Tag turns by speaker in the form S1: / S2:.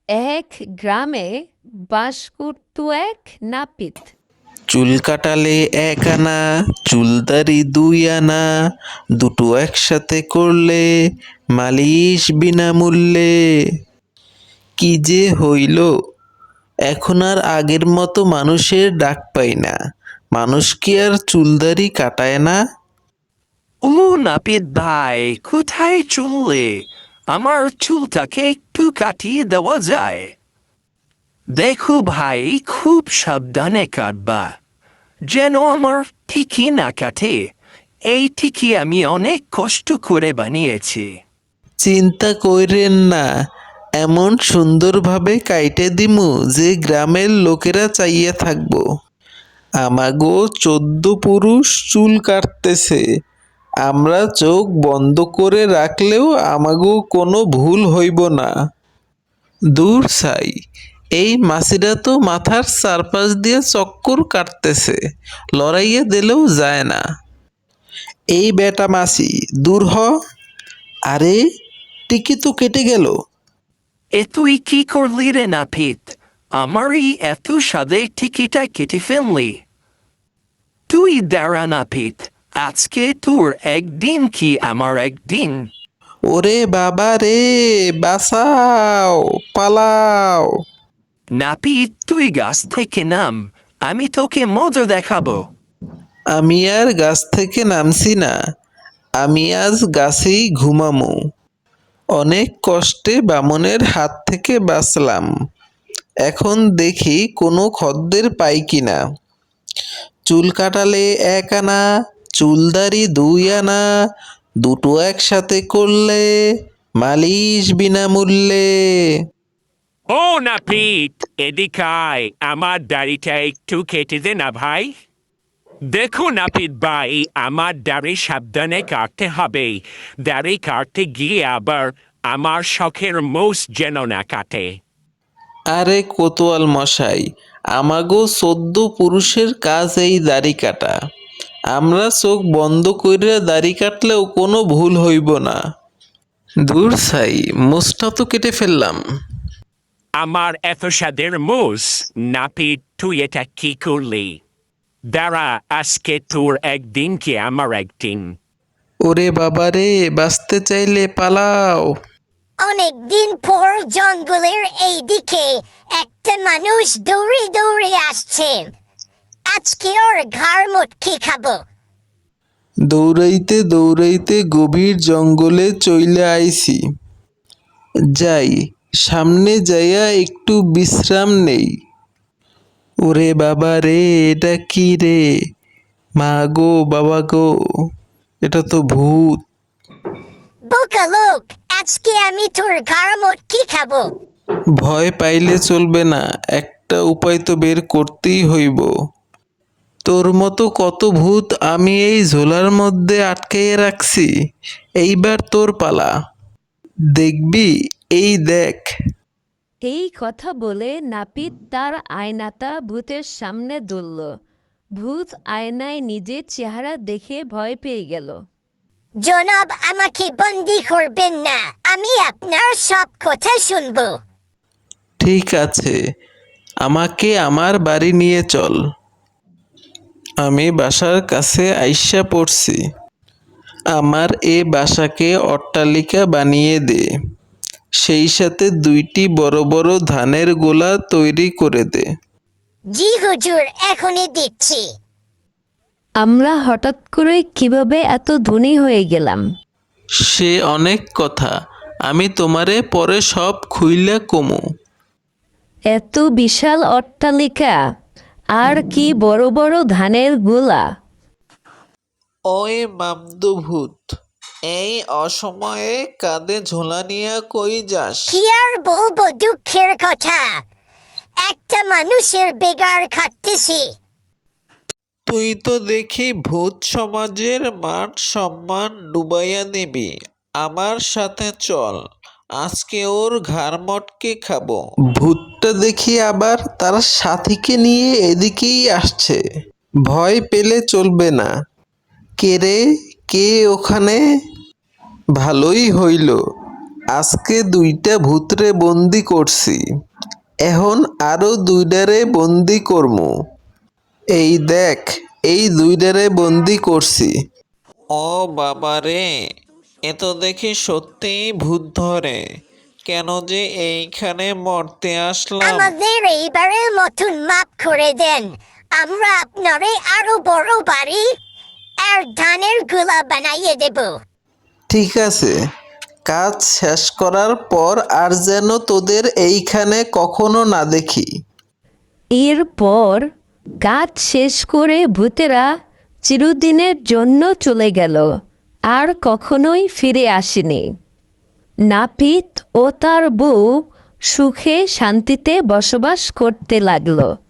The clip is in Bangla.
S1: এক গ্রামে বাস করত এক নাপিত।
S2: চুল কাটালে 1 আনা, চুলদারি 2 আনা, দুটো একসাথে করলে মালিশ বিনামূল্যে। কি যে হইল, এখন আর আগের মতো মানুষের ডাক পাই না। মানুষ কি আর চুলদারি কাটায় না?
S3: ও নাপিত ভাই, কোথায় চললে? আমার চুলটাকে একটু কাটিয়ে দেওয়া যায়? দেখো ভাই, খুব সাবধানে কাটবা, যেন আমার ঠিকই না কাটে। এই ঠিকই আমি অনেক কষ্ট করে বানিয়েছি।
S2: চিন্তা কইরেন না, এমন সুন্দরভাবে কাইটে দিমু যে গ্রামের লোকেরা চাইয়া থাকবো আমাগো 14 পুরুষ চুল কাটতেছে। আমরা চোখ বন্ধ করে রাখলেও আমাগো কোনো ভুল হইব না। দূর ছাই, এই মাছিরা তো মাথার চারপাশ দিয়ে চক্কর কাটতেছে, লড়াইয়ে দিলেও যায় না। এই বেটা মাছি, দূর হ। আরে, টিকি তো কেটে গেল।
S3: এ তুই কি করলি রে নাপিত? আমার এই এত সাদে টিকিটা কেটে ফেললি। তুই দাঁড়া নাপিত, আজকে তোর একদিন কি আমার একদিন।
S2: ওরে বাবা রে, বাঁচাও, পালাও।
S3: নাপিত, তুই গাছ থেকে নাম, আমি তোকে মজা দেখাবো।
S2: আমি আর গাছ থেকে নামছি না, আমি আজ গাছেই ঘুমামু। অনেক কষ্টে বামনের হাত থেকে বাঁচলাম, এখন দেখি কোনো খদ্দের পাই কিনা। চুল কাটালে 1 আনা, চুলদারি 2 আনা, দুটো একসাথে করলে মালিশ বিনামূল্যে।
S3: ও নাপিত, এদিকে আয়, আমার দাড়িটা একটু কেটে দে না ভাই। দেখো নাপিত ভাই, আমার দাড়ি সাবধানে কাটতে হবে। দাড়ি কাটতে গিয়ে আবার আমার শখের মোষ যেন না কাটে।
S2: আরে কোতোয়াল মশাই, আমাগো 14 পুরুষের কাজ এই দাড়ি কাটা। আমরা চোখ বন্ধ কইরা দাড়ি কাটলেও কোনো ভুল হইব না। দূর ছাই, মোষটা তো কেটে ফেললাম।
S3: আমার এত সাদের মোষ, নাপিত তুই এটা কি করলি? দাঁড়া, আজকে তোর একদিন কি আমার একদিন।
S2: ওরে বাবা রে, বাঁচতে চাইলে পালাও।
S4: অনেকদিন পর জঙ্গলের এই দিকে একটা মানুষ দৌড়ে দৌড়ে আসছে। আজকে ওর ঘাড় মুটকি খাবো।
S2: দৌড়াইতে দৌড়াইতে গভীর জঙ্গলে চইলে আইছি। যাই, সামনে যাইয়া একটু বিশ্রাম নেই। ওরে বাবা রে, এটা কি রে? মা গো, বাবা গো, এটা তো ভূত।
S4: বোকা লোক, আজকে আমি তোর ঘাড় মুটকি খাবো।
S2: ভয় পাইলে চলবে না, একটা উপায় তো বের করতেই হইব। তোর মতো কত ভূত আমি এই ঝোলার মধ্যে আটকাইয়ে রাখছি, এইবার তোর পালা। দেখবি, এই দেখ।
S1: এই কথা বলে নাপিত তার আয়নাটা ভূতের সামনে ধরল। ভূত আয়নায় নিজের চেহারা দেখে ভয় পেয়ে গেল।
S4: জনাব, আমাকে বন্দি করবেন না, আমি আপনার সব কথা শুনবো।
S2: ঠিক আছে, আমাকে আমার বাড়ি নিয়ে চল। আমি বাসার কাছে আইসা পড়ছি। আমার এ বাসাকে অট্টালিকা বানিয়ে দে, সেই সাথে 2টি বড় বড় ধানের গোলা তৈরি করে দে।
S4: জি হুজুর, এখনই দিচ্ছি।
S1: আমরা হঠাৎ করে কিভাবে এত ধনী হয়ে গেলাম?
S2: সে অনেক কথা, আমি তোমারে পরে সব খুইলা কমু।
S1: এত বিশাল অট্টালিকা, আর কি বড় বড় ধানের গোলা!
S2: ওই মামদুভূত, এই অসময়ে কাঁধে ঝোলা নিয়ে কই যাস?
S4: কি আর বলবো দুঃখের কথা, একটা মানুষের বেগার খাটতেছি।
S2: তুই তো দেখি ভূত সমাজের মান সম্মান ডুবাইয়া দিবি। আমার সাথে চল, আজকে ওর ঘাড় মটকে খাবো। ভূতটা দেখি আবার তার সাথীকে নিয়ে এদিকেই আসছে। ভয় পেলে চলবে না। কে রে, কে ওখানে? ভালোই হইল, আজকে 2টা ভূতরে বন্দি করছি, এখন আরো 2ডারে বন্দি করমু। এই দেখ, এই 2ডারে বন্দি করছি। ও বাবা রে, এ তো দেখি সত্যিই ভূত ধরে। কেন যে এইখানে মরতে আসলাম।
S4: আমাদের এইবারের মতন মাপ করে দেন, আমরা আপনারে আরো বড় বাড়ি আর ধানের গুলা বানাইয়ে দেব।
S2: ঠিক আছে, কাজ শেষ করার পর আর যেন তোদের এইখানে কখনো না দেখি।
S1: এরপর কাজ শেষ করে ভূতেরা চিরদিনের জন্য চলে গেল, আর কখনোই ফিরে আসেনি। নাপিত ও তার বউ সুখে শান্তিতে বসবাস করতে লাগলো।